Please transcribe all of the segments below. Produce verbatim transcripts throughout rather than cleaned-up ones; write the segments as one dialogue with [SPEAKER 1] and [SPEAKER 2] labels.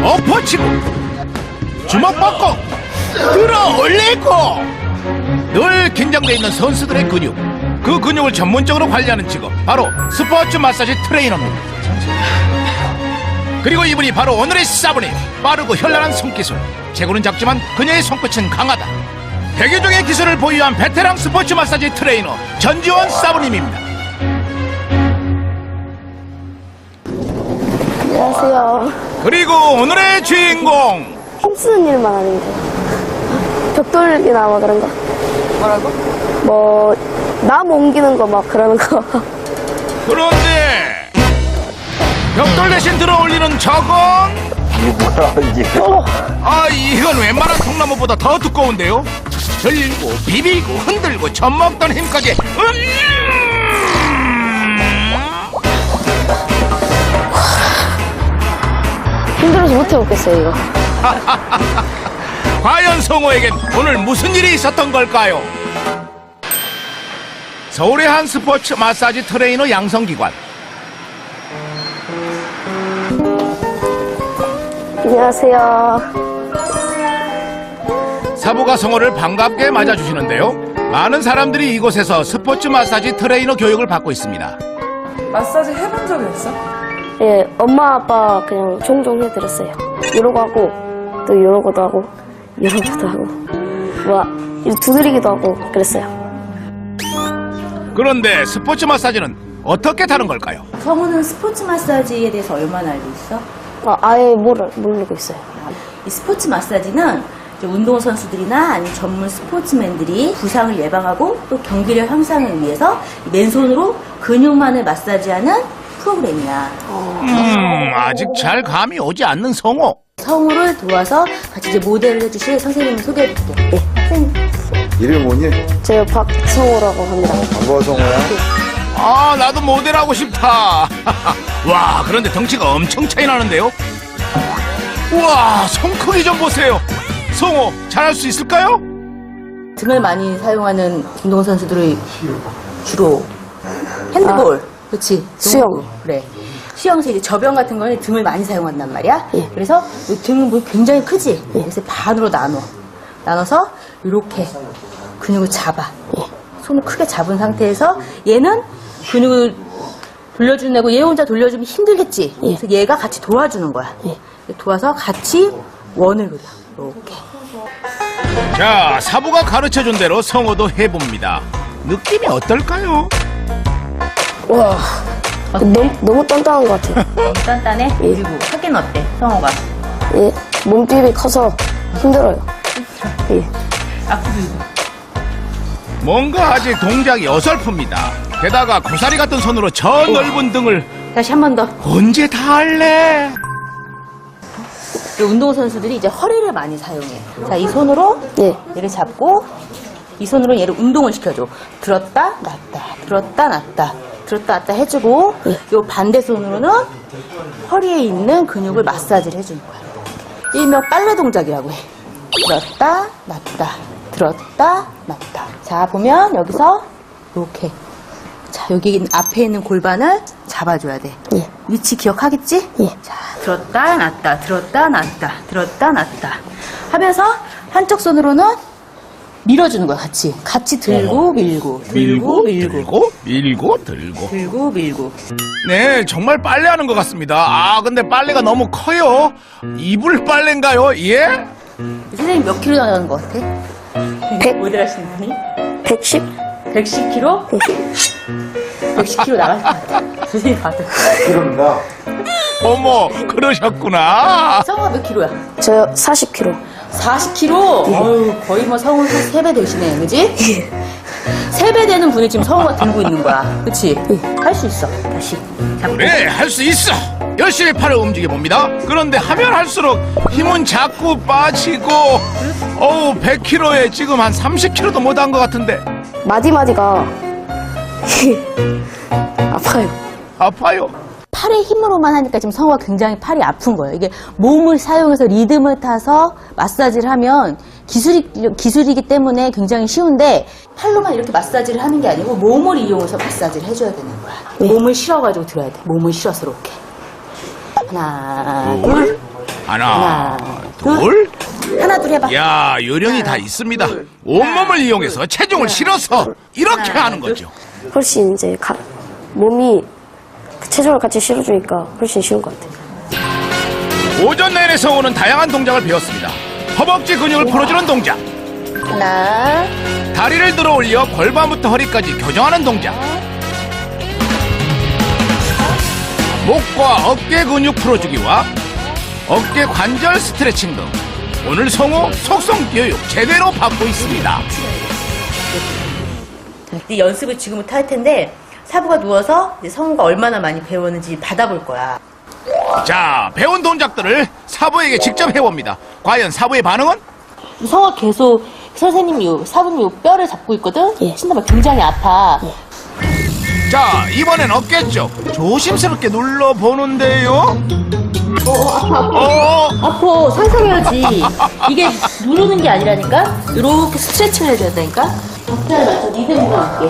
[SPEAKER 1] 엎어치고 주먹 뻗고 들어 올리고 늘 긴장돼 있는 선수들의 근육, 그 근육을 전문적으로 관리하는 직업, 바로 스포츠 마사지 트레이너입니다. 그리고 이분이 바로 오늘의 사부님, 빠르고 현란한 손기술. 체구는 작지만 그녀의 손끝은 강하다. 백여종의 기술을 보유한 베테랑 스포츠 마사지 트레이너 전지원 사부님입니다.
[SPEAKER 2] 안녕하세요.
[SPEAKER 1] 그리고 오늘의 주인공,
[SPEAKER 2] 힘쓰는 일만 하는 거. 벽 돌리기나 뭐 그런 거.
[SPEAKER 3] 뭐라고?
[SPEAKER 2] 뭐, 남 옮기는 거 막 그러는 거.
[SPEAKER 1] 그런데 벽돌 대신 들어 올리는 저건, 아 이건 웬만한 통나무보다 더 두꺼운데요. 들고 비비고 흔들고 젖먹던 힘까지 음!
[SPEAKER 2] 힘들어서 못 해먹겠어요, 이거.
[SPEAKER 1] 과연 성호에겐 오늘 무슨 일이 있었던 걸까요? 서울의 한 스포츠 마사지 트레이너 양성기관.
[SPEAKER 2] 안녕하세요.
[SPEAKER 1] 사부가 성호를 반갑게 맞아주시는데요. 많은 사람들이 이곳에서 스포츠 마사지 트레이너 교육을 받고 있습니다.
[SPEAKER 3] 마사지 해본 적이 있어?
[SPEAKER 2] 예, 엄마, 아빠 그냥 종종 해드렸어요. 이러고 하고, 또 이러고도 하고, 이러고도 하고, 뭐, 이렇게 두드리기도 하고, 그랬어요.
[SPEAKER 1] 그런데 스포츠 마사지는 어떻게 다른 걸까요?
[SPEAKER 4] 성우는 스포츠 마사지에 대해서 얼마나 알고 있어?
[SPEAKER 2] 아, 아예 모르, 모르고 있어요.
[SPEAKER 4] 이 스포츠 마사지는 이제 운동선수들이나 아니면 전문 스포츠맨들이 부상을 예방하고 또 경기력 향상을 위해서 맨손으로 근육만을 마사지하는 프로그램이야.
[SPEAKER 1] 음, 아직 잘 감이 오지 않는 성호.
[SPEAKER 4] 성우를 도와서 같이 이제 모델을 해주실 선생님을 소개해줄게.
[SPEAKER 2] 예.
[SPEAKER 5] 이름이 뭐니?
[SPEAKER 2] 제가 박성호라고 합니다.
[SPEAKER 5] 반가워 성호야.
[SPEAKER 1] 아, 나도 모델하고 싶다. 와, 그런데 덩치가 엄청 차이 나는데요? 우와, 손 크기 좀 보세요. 성호, 잘할 수 있을까요?
[SPEAKER 4] 등을 많이 사용하는 운동선수들이 주로 핸드볼, 그렇지?
[SPEAKER 2] 수영.
[SPEAKER 4] 농구, 그래. 수영에서 이제 저병 같은 거는 등을 많이 사용한단 말이야.
[SPEAKER 2] 예.
[SPEAKER 4] 그래서 이 등은 뭐 굉장히 크지. 그래서 반으로 나눠. 나눠서 이렇게 근육을 잡아. 손을 크게 잡은 상태에서 얘는 근육을 돌려주는 애고 얘 혼자 돌려주면 힘들겠지.
[SPEAKER 2] 예.
[SPEAKER 4] 그래서 얘가 같이 도와주는 거야.
[SPEAKER 2] 예.
[SPEAKER 4] 도와서 같이 원을 그려. 이렇게.
[SPEAKER 1] 자, 사부가 가르쳐준 대로 성호도 해봅니다. 느낌이 어떨까요?
[SPEAKER 2] 와, 너무, 너무 단단한 것 같아요.
[SPEAKER 4] 너무 단단해?
[SPEAKER 2] 예.
[SPEAKER 4] 그리고 하긴 어때? 성호가.
[SPEAKER 2] 예, 몸집이 커서 힘들어요. 예.
[SPEAKER 4] 앞으로 이거.
[SPEAKER 1] 뭔가 아직 동작이 어설픕니다. 게다가 고사리 같은 손으로 저 넓은 등을
[SPEAKER 4] 다시 한 번 더.
[SPEAKER 1] 언제 다 할래?
[SPEAKER 4] 운동선수들이 이제 허리를 많이 사용해. 자, 이 손으로
[SPEAKER 2] 예.
[SPEAKER 4] 얘를 잡고 이 손으로 얘를 운동을 시켜줘. 들었다, 놨다, 들었다, 놨다, 들었다, 놨다 해주고 요 반대 손으로는 허리에 있는 근육을 마사지를 해주는 거야. 일명 빨래 동작이라고 해. 들었다, 놨다, 들었다, 놨다. 자, 보면 여기서 이렇게. 자, 여기 앞에 있는 골반을 잡아줘야 돼.
[SPEAKER 2] 예.
[SPEAKER 4] 위치 기억하겠지?
[SPEAKER 2] 예.
[SPEAKER 4] 자, 들었다, 놨다, 들었다, 놨다, 들었다, 놨다. 하면서 한쪽 손으로는 밀어주는 거야, 같이. 같이 들고, 밀고, 들고, 밀고.
[SPEAKER 1] 들고, 밀고, 들고.
[SPEAKER 4] 들고, 밀고.
[SPEAKER 1] 네, 정말 빨래하는 것 같습니다. 아, 근데 빨래가 너무 커요. 이불 빨래인가요? 예?
[SPEAKER 4] 선생님 몇 킬로 나가는 것 같아?
[SPEAKER 2] 백.
[SPEAKER 4] 모델 하시는 분이?
[SPEAKER 2] 백십?
[SPEAKER 4] 백십 킬로? 백십 킬로 나갈 것 같아. 선생님 봐도.
[SPEAKER 5] 이름나.
[SPEAKER 1] 어머, 그러셨구나.
[SPEAKER 4] 성우가 몇 킬로야?
[SPEAKER 2] 저 사십 킬로그램.
[SPEAKER 4] 사십 킬로? 어휴, 거의 뭐 성우 세 배 되시네, 그지? 세 배 되는 분이 지금 성우가 들고 있는 거야. 그치? 할 수 있어. 다시. 잡고.
[SPEAKER 1] 네, 할 수 있어. 열심히 팔을 움직여봅니다. 그런데 하면 할수록 힘은 자꾸 빠지고, 어우, 백 킬로그램에 지금 한 삼십 킬로그램도 못한 것 같은데.
[SPEAKER 2] 마디마디가 아파요.
[SPEAKER 1] 아파요.
[SPEAKER 4] 팔의 힘으로만 하니까 지금 성우가 굉장히 팔이 아픈 거예요. 이게 몸을 사용해서 리듬을 타서 마사지를 하면 기술이, 기술이기 때문에 굉장히 쉬운데 팔로만 이렇게 마사지를 하는 게 아니고 몸을 이용해서 마사지를 해줘야 되는 거야.
[SPEAKER 2] 네.
[SPEAKER 4] 몸을 실어가지고 들어야 돼. 몸을 실어서 이렇게. 하나, 둘,
[SPEAKER 1] 하나,
[SPEAKER 4] 하나,
[SPEAKER 1] 둘.
[SPEAKER 4] 하나 둘 해봐.
[SPEAKER 1] 야, 요령이 다 있습니다. 온몸을 이용해서 체중을 실어서 이렇게 하는 거죠.
[SPEAKER 2] 훨씬 이제 가- 몸이 그 체중을 같이 실어주니까 훨씬 쉬운 것 같아요.
[SPEAKER 1] 오전 내내 성우는 다양한 동작을 배웠습니다. 허벅지 근육을 풀어주는 동작,
[SPEAKER 4] 하나,
[SPEAKER 1] 다리를 들어 올려 골반부터 허리까지 교정하는 동작, 목과 어깨 근육 풀어주기와 어깨 관절 스트레칭 등 오늘 성우 속성 교육 제대로 받고 있습니다.
[SPEAKER 4] 네 연습을 지금부터 할 텐데 사부가 누워서 이제 성우가 얼마나 많이 배웠는지 받아볼 거야.
[SPEAKER 1] 자, 배운 동작들을 사부에게 직접 해봅니다. 과연 사부의 반응은?
[SPEAKER 4] 성우가 계속 선생님이 요, 사부님 요 뼈를 잡고 있거든?
[SPEAKER 2] 예.
[SPEAKER 4] 신나봐 굉장히 아파.
[SPEAKER 1] 자, 이번엔 어깨 쪽 조심스럽게 눌러보는데요. 어,
[SPEAKER 4] 아파 상상해야지. 이게 누르는 게 아니라니까? 이렇게 스트레칭을 해줘야 된다니까? 박자에 맞춰 리듬으로 할게.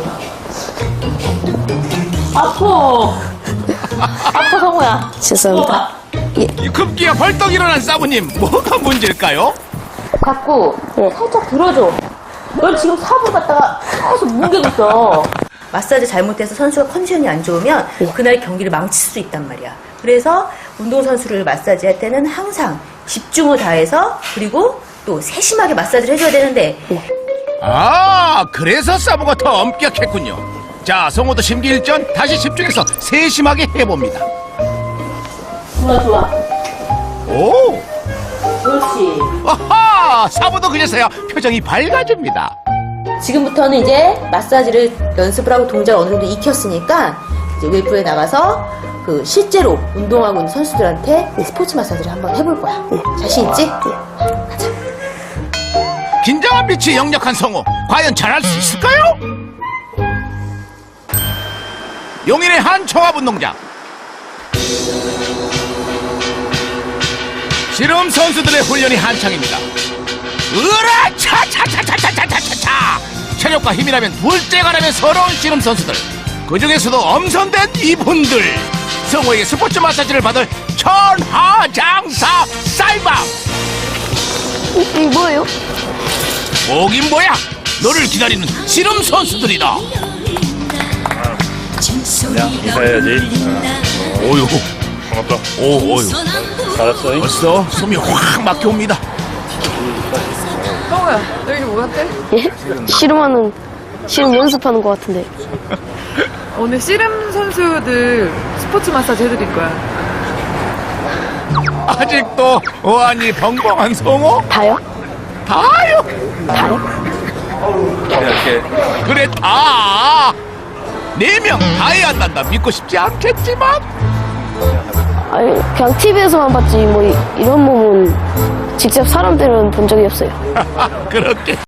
[SPEAKER 4] 아파. 아파 성우야.
[SPEAKER 2] 죄송합니다.
[SPEAKER 1] 이 급기야 벌떡 일어난 사부님, 뭐가 문제일까요?
[SPEAKER 4] 자꾸
[SPEAKER 2] 예.
[SPEAKER 4] 살짝 들어줘. 넌 지금 사부 갖다가 계속 뭉개고 있어. 마사지 잘못해서 선수가 컨디션이 안 좋으면
[SPEAKER 2] 예.
[SPEAKER 4] 그날 경기를 망칠 수 있단 말이야. 그래서 운동선수를 마사지 할 때는 항상 집중을 다해서 그리고 또 세심하게 마사지를 해줘야 되는데
[SPEAKER 1] 아, 그래서 사부가 더 엄격했군요. 자, 성우도 심기일전 다시 집중해서 세심하게 해봅니다.
[SPEAKER 4] 좋아 좋아.
[SPEAKER 1] 오,
[SPEAKER 4] 그렇지.
[SPEAKER 1] 아하, 사부도 그제서야 표정이 밝아집니다.
[SPEAKER 4] 지금부터는 이제 마사지를 연습을 하고 동작을 어느 정도 익혔으니까 이제 웨이프에 나가서 그 실제로 운동하고 있는 선수들한테 스포츠 마사지를 한번 해볼 거야. 자신 있지? 가자.
[SPEAKER 1] 긴장한 빛이 역력한 성우, 과연 잘할 수 있을까요? 용인의 한 총합 운동장. 씨름 선수들의 훈련이 한창입니다. 으라 차차차차차차차차. 체력과 힘이라면 둘째가라면 서러운 씨름 선수들. 그 중에서도 엄선된 이분들. 성우에게 스포츠 마사지를 받을 천하장사 쌀밥.
[SPEAKER 2] 이 뭐예요?
[SPEAKER 1] 뭐긴 뭐야? 너를 기다리는 씨름 선수들이다.
[SPEAKER 6] 그냥 인사해야지.
[SPEAKER 1] 오유,
[SPEAKER 6] 반갑다.
[SPEAKER 1] 오, 오유.
[SPEAKER 6] 잘했어.
[SPEAKER 1] 벌써 숨이 확 막혀옵니다.
[SPEAKER 3] 성우야, 너 여기 뭐 같대?
[SPEAKER 2] 예? 씨름하는, 씨름 연습하는 것 같은데.
[SPEAKER 3] 오늘 씨름 선수들 스포츠 마사지 해드릴 거야.
[SPEAKER 1] 아직도 어안이 벙벙한 성우?
[SPEAKER 2] 다요?
[SPEAKER 1] 다요.
[SPEAKER 2] 다요?
[SPEAKER 6] 이렇게
[SPEAKER 1] 그래, 다. 네 명 다 해야 한단다. 믿고 싶지 않겠지만.
[SPEAKER 2] 아니, 그냥 티비에서만 봤지, 뭐, 이- 이런 몸은 직접 사람 때는 본 적이 없어요.
[SPEAKER 1] 그렇게.